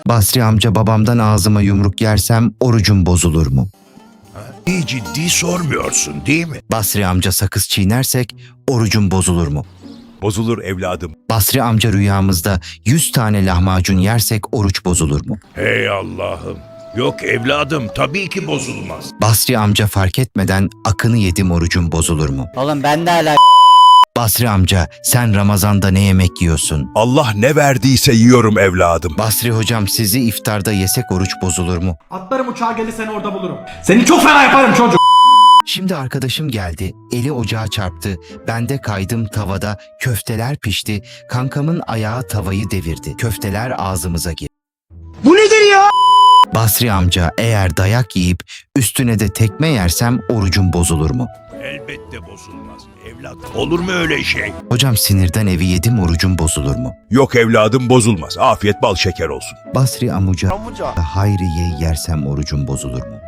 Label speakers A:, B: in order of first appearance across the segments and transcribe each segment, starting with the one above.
A: Basri amca, babamdan ağzıma yumruk yersem orucum bozulur mu?
B: Ciddi sormuyorsun değil mi?
A: Basri amca, sakız çiğnersek orucum bozulur mu?
B: Bozulur evladım.
A: Basri amca, rüyamızda 100 tane lahmacun yersek oruç bozulur mu?
B: Hey Allah'ım. Yok evladım, tabii ki bozulmaz.
A: Basri amca, fark etmeden akını yedim, orucum bozulur mu?
C: Oğlum ben de hala
A: Basri amca, sen Ramazan'da ne yemek yiyorsun?
B: Allah ne verdiyse yiyorum evladım.
A: Basri hocam, sizi iftarda yesek oruç bozulur mu?
D: Atlarım uçağa, gelir seni orada bulurum. Seni çok fena yaparım çocuk.
A: Şimdi arkadaşım geldi, eli ocağa çarptı, ben de kaydım tavada, köfteler pişti, kankamın ayağı tavayı devirdi, köfteler ağzımıza girdi.
C: Bu nedir ya?
A: Basri amca, eğer dayak yiyip üstüne de tekme yersem orucum bozulur mu?
B: Elbette bozulmaz evlat. Olur mu öyle şey?
A: Hocam, sinirden evi yedim, orucum bozulur mu?
B: Yok evladım, bozulmaz. Afiyet bal şeker olsun.
A: Basri amuca, Hayriye yersem orucum bozulur mu?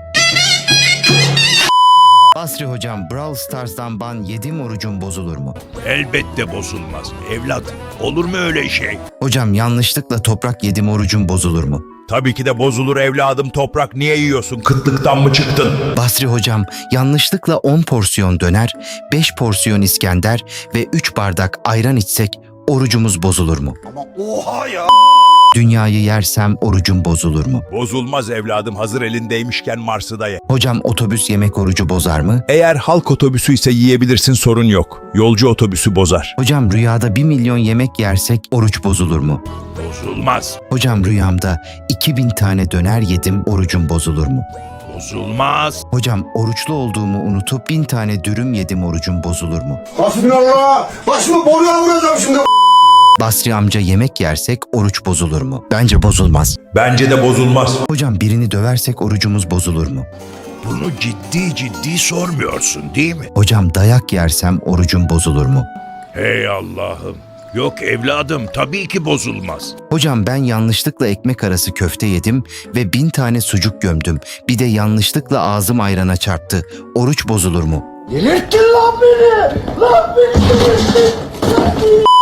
A: Basri hocam, Brawl Stars'tan ban yedim, orucum bozulur mu?
B: Elbette bozulmaz evlat. Olur mu öyle şey?
A: Hocam, yanlışlıkla toprak yedim, orucum bozulur mu?
B: Tabii ki de bozulur evladım. Toprak niye yiyorsun? Kıtlıktan mı çıktın?
A: Basri hocam, yanlışlıkla 10 porsiyon döner, 5 porsiyon İskender ve 3 bardak ayran içsek orucumuz bozulur mu?
B: Ama oha ya!
A: Dünyayı yersem orucum bozulur mu?
B: Bozulmaz evladım. Hazır elindeymişken Mars'ı da ye.
A: Hocam, otobüs yemek orucu bozar mı?
B: Eğer halk otobüsü ise yiyebilirsin, sorun yok. Yolcu otobüsü bozar.
A: Hocam, rüyada 1 milyon yemek yersek oruç bozulur mu?
B: Bozulmaz.
A: Hocam, rüyamda 2000 tane döner yedim, orucum bozulur mu?
B: Bozulmaz.
A: Hocam, oruçlu olduğumu unutup 1000 tane dürüm yedim, orucum bozulur mu?
E: Hasbinallah! Başımı boruya vuracağım şimdi.
A: Basri amca, yemek yersek oruç bozulur mu? Bence bozulmaz.
B: Bence de bozulmaz.
A: Hocam, birini döversek orucumuz bozulur mu?
B: Bunu ciddi sormuyorsun değil mi?
A: Hocam, dayak yersem orucum bozulur mu?
B: Hey Allah'ım. Yok evladım, tabii ki bozulmaz.
A: Hocam, ben yanlışlıkla ekmek arası köfte yedim ve 1000 tane sucuk gömdüm. Bir de yanlışlıkla ağzım ayrana çarptı. Oruç bozulur mu?
E: Delirttin lan beni! Lan beni delirttin!